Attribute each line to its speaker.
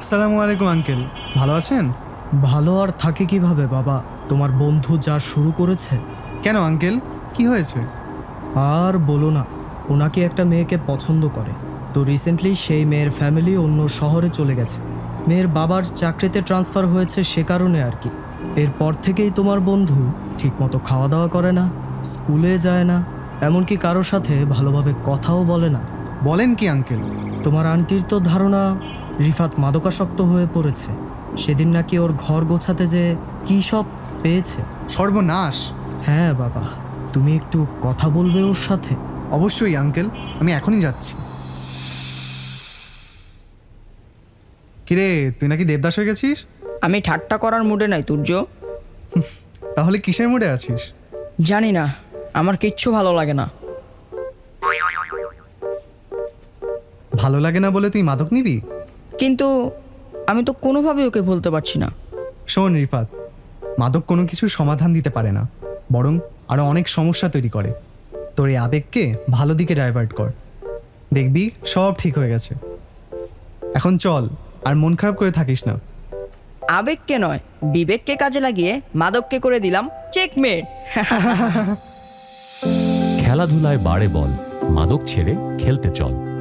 Speaker 1: আসসালামু আলাইকুম আঙ্কেল, ভালো আছেন?
Speaker 2: ভালো আর থাকে কিভাবে বাবা? তোমার বন্ধু যা শুরু করেছে।
Speaker 1: কেন আঙ্কেল, কি হয়েছে?
Speaker 2: আর বলো না, ওনাকে একটা মেয়েকে পছন্দ করে। তো রিসেন্টলি সেই মেয়ের ফ্যামিলি অন্য শহরে চলে গেছে। মেয়ের বাবার চাকরিতে ট্রান্সফার হয়েছে, সে কারণে আর কি। এরপর থেকেই তোমার বন্ধু ঠিকমতো খাওয়া দাওয়া করে না, স্কুলে যায় না, এমনকি কারোর সাথে ভালোভাবে কথাও বলে না।
Speaker 1: বলেন কি আঙ্কেল?
Speaker 2: তোমার আন্টির তো ধারণা রিফাত মাদকাসক্ত হয়ে পড়েছে। সেদিন নাকি ওর ঘর গোছাতে যে কী সব পেয়েছে।
Speaker 1: সর্বনাশ!
Speaker 2: হ্যাঁ বাবা, তুমি একটু কথা বলবে ওর সাথে?
Speaker 1: অবশ্যই আঙ্কেল, আমি এখনই যাচ্ছি। কিরে, তুই নাকি দেবদাস হয়ে গেছিস?
Speaker 3: আমি ঠাট্টা করার মুডে নাই তুর্য।
Speaker 1: তাহলে কিসের মুডে আছিস?
Speaker 3: জানি না, আমার কিচ্ছু ভালো লাগে না।
Speaker 1: ভালো লাগে না বলে তুই মাদক নিবি?
Speaker 3: কিন্তু আমি তো কোনোভাবেই ওকে বলতে পারছি না।
Speaker 1: শোন রিফাত, মাদক কোনো কিছুর সমাধান দিতে পারে না, বরং আরও অনেক সমস্যা তৈরি করে। তোর এই আবেগকে ভালো দিকে ডাইভার্ট কর, দেখবি সব ঠিক হয়ে গেছে। এখন চল, আর মন খারাপ করে থাকিস না।
Speaker 3: আবেগকে নয়, বিবেককে কাজে লাগিয়ে মাদককে করে দিলাম চেকমেট।
Speaker 4: খেলাধুলায় বাড়ে বল, মাদক ছেড়ে খেলতে চল।